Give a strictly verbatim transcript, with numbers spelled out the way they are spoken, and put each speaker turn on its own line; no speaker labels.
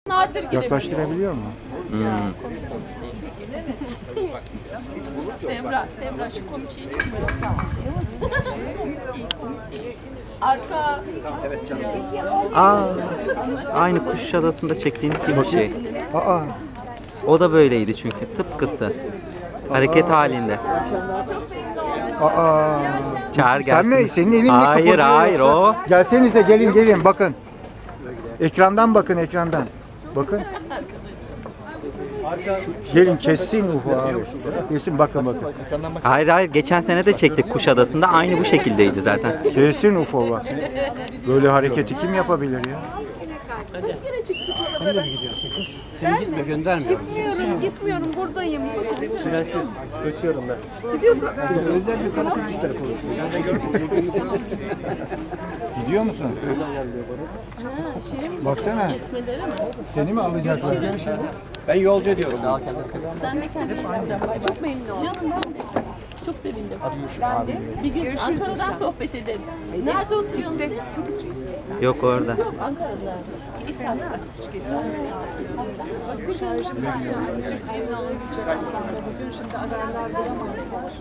Nadir gidebiliyor.
Yaklaştırabiliyor mu?
Hmm.
Semra, Semra şu komik şeyi çok merak ettim. Komik şey, komik şey. Arka... Evet canım.
Aa, aynı Kuşadası'nda çektiğimiz gibi bir şey.
Aa,
O da böyleydi çünkü tıpkısı. Hareket halinde.
aa.
Çağır
Sen
gelsin.
mi? Senin elin mi
Hayır
kıpırdıyor
hayır
yoksa?
o.
Gelsenize gelin gelin bakın. Ekrandan bakın ekrandan. Bakın. Gelin kessin Ufo abi. Kesin bakın bakın.
Hayır hayır geçen sene de çektik Kuşadası'nda aynı bu şekildeydi zaten.
Kesin Ufo bak. Böyle hareketi kim yapabilir ya?
Sen gitme, göndermiyorum.
Gitmiyorum, gitmiyorum. Buradayım.
Prenses, göçüyorum ben.
Gidiyorsun.
Özel bir karışık iş telefonu. Sen de gör.
Gidiyor musun?
Ha, şey mi?
Baksana.
Kesmeleri mi?
Seni mi alacaklar?
Ben yolcu ediyorum.
Sen de kendin Çok memnun oldum. Canım ben de. Çok sevindim. Bir gün Ankara'dan sohbet ederiz. Nerede oturuyorsunuz siz?
Yok orada.
Ankara'da.
İstanbul'da. Küçük İstanbul'da. Bugün şimdi haberler duyamazlar.